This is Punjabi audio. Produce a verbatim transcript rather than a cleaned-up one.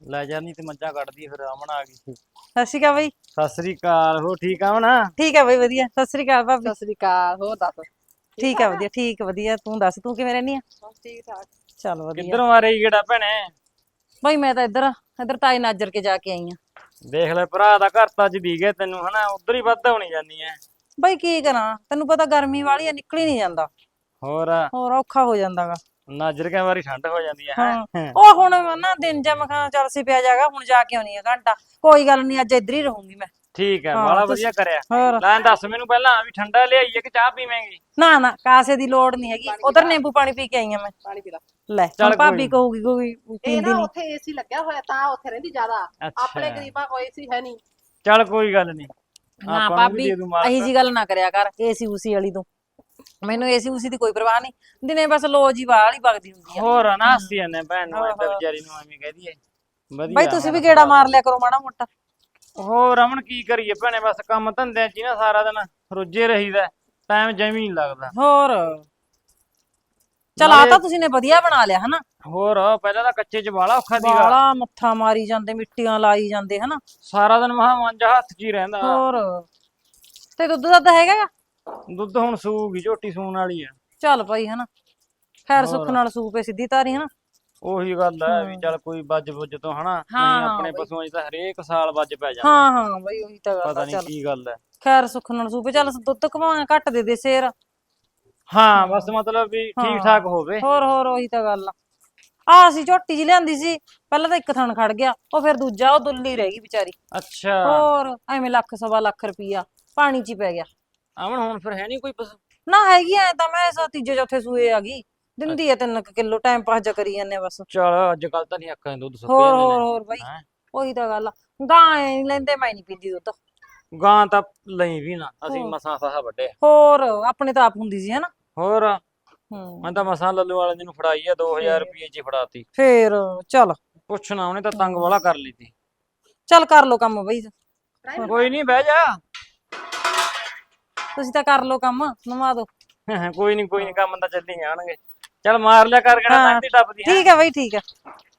ਲੈ ਜਾ ਨਹੀਂ ਤੇ ਮੱਝਾਂ ਕੱਢਦੀ ਫਿਰ ਅਮਨ ਆ ਗਈ ਸੀ। ਸਤਿ ਸ਼੍ਰੀ ਅਕਾਲ ਬਈ। ਸਤਿ ਸ੍ਰੀ ਅਕਾਲ। ਹੋ ਠੀਕ ਆ ਅਮਨ? ਠੀਕ ਹੈ ਬਈ ਵਧੀਆ। ਸਤਿ ਸ਼੍ਰੀ ਅਕਾਲ ਭਾਬੀ। ਸਤਿ ਸ੍ਰੀ ਅਕਾਲ। ਹੋਰ ਦੱਸ? ਠੀਕ ਹੈ ਵਧੀਆ ਠੀਕ ਵਧੀਆ। ਤੂੰ ਦੱਸ ਤੂੰ ਕਿਵੇਂ ਰਹਿੰਦੀ ਆ? ਬਸ ਠੀਕ ਠਾਕ। ਚੱਲ ਵਧੀਆ। ਕਿੱਧਰੋਂ ਆ ਰਹੀ ਕਿਹੜਾ ਭੈਣੇ? ਬਈ ਮੈਂ ਤਾਂ ਇੱਧਰ ਇੱਧਰ ਤਾਈ ਨਾਜਰ ਕੇ ਜਾ ਕੇ ਆਈ ਆ। ਦੇਖ ਲੈ ਭਰਾ ਦਾ ਘਰ ਤਾਂ ਅੱਜ ਦੀ ਗਿਆ ਤੈਨੂੰ ਹਨਾ, ਉਧਰ ਹੀ ਵੱਧ ਹੋਣੀ ਜਾਂਦੀ ਐ। ਬਈ ਕੀ ਕਰਾਂ, ਤੈਨੂੰ ਪਤਾ ਗਰਮੀ ਵਾਲੀ ਆ, ਨਿਕਲ ਹੀ ਨਹੀਂ ਜਾਂਦਾ। ਹੋਰ ਹੋਰ ਔਖਾ ਹੋ ਜਾਂਦਾਗਾ। ਨਾਜਰ ਕੇ ਵਾਰੀ ਠੰਡ ਹੋ ਜਾਂਦੀ ਹੈ ਹਾਂ ਹੈ। ਉਹ ਹੁਣ ਨਾ ਦਿਨ ਜਮ ਖਾਂ ਚੱਲ ਸੀ ਪਿਆ ਜਾਗਾ, ਹੁਣ ਜਾ ਕੇ ਆਉਣੀ ਆ ਘੰਟਾ। ਕੋਈ ਗੱਲ ਨਹੀਂ ਅੱਜ ਇੱਧਰ ਹੀ ਰਹੂੰਗੀ ਮੈਂ। ਠੀਕ ਹੈ ਹਾਂ, ਬਾਲਾ ਤੁਸੀਂ- ਵਧੀਆ ਕਰਿਆ। ਹੋਰ ਲੈ ਦੱਸ ਮੈਨੂੰ ਪਹਿਲਾਂ ਵੀ ਠੰਡਾ ਲਿਆਈਏ ਕਿ ਚਾਹ ਪੀਵੇਂਗੀ? ਨਾ ਨਾ ਕਾਸੇ ਦੀ ਲੋੜ ਨਹੀਂ ਹੈਗੀ, ਉਧਰ ਨਿੰਬੂ ਪਾਣੀ ਪੀ ਕੇ ਆਈ ਆ ਮੈਂ। ਪਾਣੀ ਪੀ ਲਾ। ਲੈ ਚੱਲ ਹੁਣ ਕੋਈ ਭਾਬੀ ਨੀ। ਕਹੂਗੀ ਕੋਈ ਇਹ ਪੀਂਦੀ ਨਾ ਨਹੀਂ। ਉੱਥੇ ਏਸੀ ਲੱਗਿਆ ਹੋਇਆ ਤਾਂ ਉੱਥੇ ਰਹਿੰਦੀ ਜ਼ਿਆਦਾ। ਅੱਛਾ। ਆਪਣੇ ਗਰੀਬਾਂ ਕੋਈ ਏਸੀ ਹੈ ਨਹੀਂ। ਚੱਲ ਕੋਈ ਗੱਲ ਨਹੀਂ। ਨਾ ਭਾਬੀ ਇਹੀ ਜੀ ਗੱਲ ਨਾ ਕਰਿਆ ਕਰ ਏਸੀ ਉਸੀ ਵਾਲੀ ਤੋਂ। ਮੈਨੂੰ ਏਸੀ ਉਸੀ ਦੀ ਕੋਈ ਪਰਵਾਹ ਨਹੀਂ, ਦਿਨੇ ਬਸ ਲੋ ਜੀ ਵਾਲੀ ਵਗਦੀ ਹੁੰਦੀ ਆ। ਹੋਰ ਨਾ ਹੱਸੀ ਜਾਂਦੇ ਭੈਣ ਨੂੰ ਹਾਂ, ਇੱਦਾਂ ਹਾਂ। ਵਿਚਾਰੀ ਨੂੰ ਐਵੇਂ ਕਹਿ ਦਈਏ। ਵਧੀਆ ਬਈ ਤੁਸੀਂ ਵੀ ਗੇੜਾ ਮਾਰ ਲਿਆ ਕਰੋ ਮਾੜਾ ਮੋਟਾ। ਹੋਰ ਰਮਨ ਕੀ ਕਰੀਏ ਭੈਣੇ, ਬਸ ਕੰਮ ਧੰਦਿਆਂ ਚ ਹੀ ਨਾ ਸਾਰਾ ਦਿਨ ਰੁੱਝੇ ਰਹੀਦਾ, ਟਾਈਮ ਜਮੀ ਨਹੀਂ ਲੱਗਦਾ। ਹੋਰ ਚਲ ਆ ਤਾਂ ਤੁਸੀਂ ਨੇ ਵਧੀਆ ਬਣਾ ਲਿਆ ਹਨਾ। ਹੋਰ ਪਹਿਲਾਂ ਤਾਂ ਕੱਚੇ ਚ ਬਾਲਾ ਔਖਾ ਸੀਗਾ, ਬਾਲਾ ਮੱਥਾ ਮਾਰੀ ਜਾਂਦੇ, ਮਿੱਟੀਆਂ ਲਾਈ ਜਾਂਦੇ ਹਨਾ। ਸਾਰਾ ਦਿਨ ਮਹਾ ਮਾਂਜਾ ਹੱਥ ਚ ਹੀ ਰਹਿੰਦਾ। ਹੋਰ ਤੇ ਦੁੱਧ ਦੱਧ ਹੈਗਾ ਗਾ? ਦੁੱਧ ਹੁਣ ਸੂਗੀ, ਝੋਟੀ ਸੂਣ ਵਾਲੀ ਆ। ਚੱਲ ਭਾਈ ਹਨਾ, ਖੈਰ ਸੁੱਖ ਹੋਰ। ਨਾਲ ਸੂਪੇ ਸਿੱਧੀ ਤਾਰੀ ਹਨਾ। ਉਹੀ ਗੱਲ ਹੈ ਵੀ ਚੱਲ ਕੋਈ ਵੱਜ ਬੁੱਝ ਤੋਂ ਹਨਾ, ਹਾਂ, ਨਹੀਂ ਹਾਂ ਆਪਣੇ ਬਈ। ਪਸ਼ੂਆਂ 'ਚ ਤਾਂ ਹਰੇਕ ਸਾਲ ਵੱਜ ਪੈ ਜਾਂਦਾ। ਹਾਂ ਹਾਂ ਬਈ ਉਹੀ ਤਾਂ ਗੱਲ ਪਤਾ ਆ। ਨਹੀਂ ਚੱਲ ਕੀ ਗੱਲ ਹੈ। ਖੈਰ ਸੁੱਖ ਨਾਲ ਸੂਪੇ, ਚੱਲ ਦੁੱਧ ਘਵਾਂ ਘੱਟ ਦੇ ਦੇ ਸ਼ੇਰ। ਹਾਂ ਬਸ ਮਤਲਬ ਵੀ ਠੀਕ ਠਾਕ ਹੋਵੇ। ਹੋਰ ਹੋਰ ਉਹੀ ਤਾਂ ਗੱਲ ਆ। ਆ ਅਸੀਂ ਝੋਟੀ ਜੀ ਲਿਆਂਦੀ ਸੀ, ਪਹਿਲਾਂ ਤਾਂ ਇੱਕ ਥਣ ਖੜ ਗਿਆ, ਉਹ ਫਿਰ ਦੂਜਾ ਉਹ ਦੁੱਲੀ ਰਹਿ ਗਈ ਵਿਚਾਰੀ। ਅੱਛਾ ਹੋਰ ਐਵੇਂ ਲੱਖ ਸਵਾ ਲੱਖ ਰੁਪਈਆ ਪਾਣੀ 'ਚ ਹੀ ਪੈ ਗਿਆ। ਅਮਨ ਹੁਣ ਫਿਰ ਹੈ ਨਹੀਂ ਕੋਈ ਪਸ਼ੂ? ਨਾ ਹੈਗੀ ਐ ਤਾਂ ਮੈਂ ਸਾ ਤੀਜੇ ਚੌਥੇ ਸੂਏ ਆ ਗਈ, ਦਿੰਦੀ ਐ ਤਿੰਨ ਕਿਲੋ, ਟਾਈਮ ਪਾਸ ਜਾ ਕਰੀ ਜਾਂਦੇ ਆ ਬਸ। ਚਲ ਅੱਜ ਕੱਲ ਤਾਂ ਨਹੀਂ ਅੱਖਾਂ ਦੇ ਦੁੱਧ ਸੁੱਕ ਹੋਰ ਜਾਂਦੇ ਹੋਰ ਨੇ। ਹੋਰ ਬਈ ਹੈਂ? ਉਹੀ ਤਾਂ ਗੱਲ ਆ। ਗਾਂ ਐ ਨੀ ਲੈਂਦੇ, ਮੈਂ ਨਹੀਂ ਪੀਂਦੀ ਦੁੱਧ। ਗਾਂ ਤਾਂ ਲਈ ਵੀ ਨਾ, ਅਸੀਂ ਹੋਰ। ਮਸਾਂ ਫਾਹਾ ਵੱਡੇ। ਹੋਰ ਆਪਣੇ ਤਾਂ ਆਪ ਹੁੰਦੀ ਸੀ ਹਨਾ। ਹੋਰ ਹੂੰ ਮੈਂ ਤਾਂ ਮਸਾਂ ਲੱਲੂ ਵਾਲੇ ਜੀ ਨੂੰ ਫੜਾਈ ਆ, ਦੋ ਹਜ਼ਾਰ ਰੁਪਏ ਚ ਹੀ ਫੜਾਤੀ। ਫੇਰ ਚੱਲ ਪੁੱਛਣਾ ਉਹਨੇ ਤਾਂ ਤੰਗ ਵਾਲਾ ਕਰ ਲਈ ਤੀ। ਚੱਲ ਕਰ ਲੋ ਕੰਮ ਬਈ, ਕੋਈ ਨਹੀਂ ਬਹਿ ਜਾ। ਤੁਸੀਂ ਤਾਂ ਕਰ ਲੋ ਕੰਮ, ਨਵਾ ਦੋ। ਕੋਈ ਨਹੀਂ ਕੋਈ ਨਹੀਂ, ਕੰਮ ਤਾਂ ਚੱਲੀ ਜਾਣਗੇ। ਚੱਲ ਮਾਰ ਲਿਆ ਕਰ, ਕਿਹੜਾ ਲੰਘਦੀ ਟੱਪਦੀ ਹੈ। ਠੀਕ ਹੈ ਬਈ ਠੀਕ ਹੈ।